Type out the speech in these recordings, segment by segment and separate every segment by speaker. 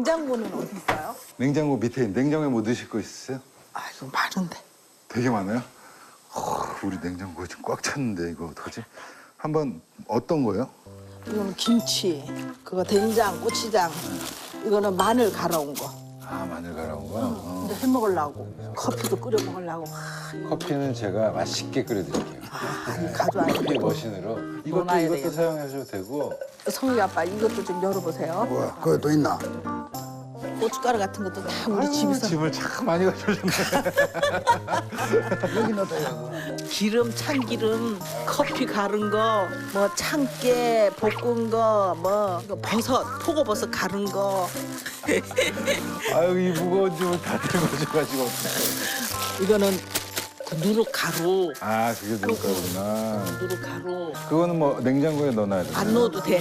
Speaker 1: 냉장고는 어디 있어요?
Speaker 2: 냉장고 밑에 냉장고에 뭐 넣으실 거 있으세요?
Speaker 1: 아, 이거 많은데.
Speaker 2: 되게 많아요? 우리 냉장고 지금 꽉 찼는데 이거 어떡하지? 한번 어떤 거요?
Speaker 1: 이거는 김치, 그거 된장, 고추장. 이거는 마늘 갈아온 거.
Speaker 2: 아, 마늘 갈아온 거?
Speaker 1: 근데 해 먹으려고. 커피도 끓여 먹으려고.
Speaker 2: 커피는 제가 맛있게 끓여드릴게요.
Speaker 1: 아니, 가져와야
Speaker 2: 커피
Speaker 1: 돼.
Speaker 2: 머신으로. 이것도
Speaker 1: 넣어놔야 되겠다.
Speaker 2: 사용하셔도 되고.
Speaker 1: 성희 아빠, 이것도 좀 열어보세요.
Speaker 3: 뭐야, 그거 또 있나?
Speaker 1: 고춧가루 같은 것도 다 우리
Speaker 2: 아유,
Speaker 1: 집에서.
Speaker 2: 짐을 참 많이 가져오셨네.
Speaker 3: 여기 넣어둬요.
Speaker 1: 기름, 참기름, 커피 갈은 거, 뭐 참깨 볶은 거, 뭐 버섯, 표고버섯 갈은 거.
Speaker 2: 아유, 이 무거운 짐을 다 들고 오셔가지고.
Speaker 1: 이거는 그 누룩가루,
Speaker 2: 아, 그게 누룩가루구나.
Speaker 1: 누룩가루.
Speaker 2: 그거는 뭐 냉장고에 넣어놔야 돼요.
Speaker 1: 안 넣어도 돼.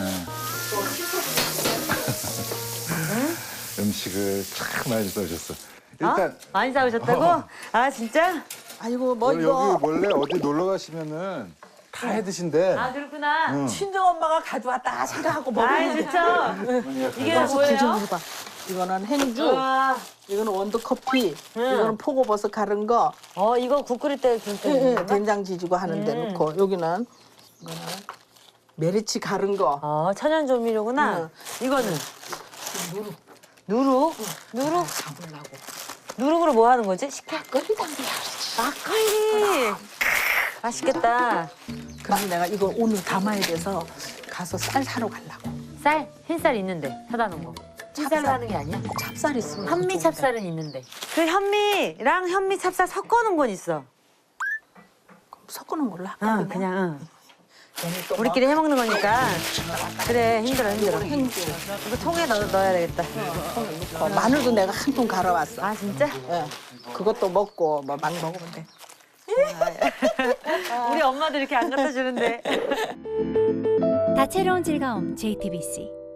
Speaker 2: 음식을 참 많이 써주셨어. 일단
Speaker 4: 많이 사오셨다고? 아 진짜?
Speaker 1: 아이고 뭐
Speaker 2: 여기
Speaker 1: 이거
Speaker 2: 원래 어디 놀러 가시면은 다 해 드신대.
Speaker 4: 아 그렇구나.
Speaker 1: 친정 엄마가 가져왔다 생각하고
Speaker 4: 아
Speaker 1: 먹으면
Speaker 4: 좋죠. 이게 뭐예요?
Speaker 1: 해봐. 이거는 행주,
Speaker 4: 와,
Speaker 1: 이거는 원두커피, 이거는 표고버섯 갈은 거,
Speaker 4: 이거 국 끓일 때 진짜.
Speaker 1: 된장 지지고 하는데 넣고 여기는 이거는 메리치 갈은 거.
Speaker 4: 천연 조미료구나. 이거는
Speaker 1: 누룩.
Speaker 4: 누룩? 누룩?
Speaker 1: 잡으려고.
Speaker 4: 누룩으로 뭐 하는 거지? 식혜?
Speaker 1: 막걸리 담그야 그러지.
Speaker 4: 막걸리. 맛있겠다.
Speaker 1: 그래서 내가 이거 오늘 담아야 돼서 가서 쌀 사러 가려고.
Speaker 4: 쌀? 흰쌀 있는데 사다 놓은 거. 흰쌀로 하는 게 아니야?
Speaker 1: 찹쌀 있으면
Speaker 4: 현미
Speaker 1: 좋은데.
Speaker 4: 찹쌀은 있는데. 그 현미랑 현미 찹쌀 섞어놓은 건 있어.
Speaker 1: 섞어놓은 걸로 할까?
Speaker 4: 그냥.
Speaker 1: 얘는 또
Speaker 4: 우리끼리 해 먹는 거니까. 그래 힘들어.
Speaker 1: 행주.
Speaker 4: 이거 통에 넣어야 되겠다.
Speaker 1: 마늘도 내가 한 통 갈아왔어.
Speaker 4: 아 진짜?
Speaker 1: 예. 그것도 먹고 뭐 막 먹으면 돼.
Speaker 4: 우리 엄마도 이렇게 안 갖다 주는데.
Speaker 5: 다채로운 즐거움 JTBC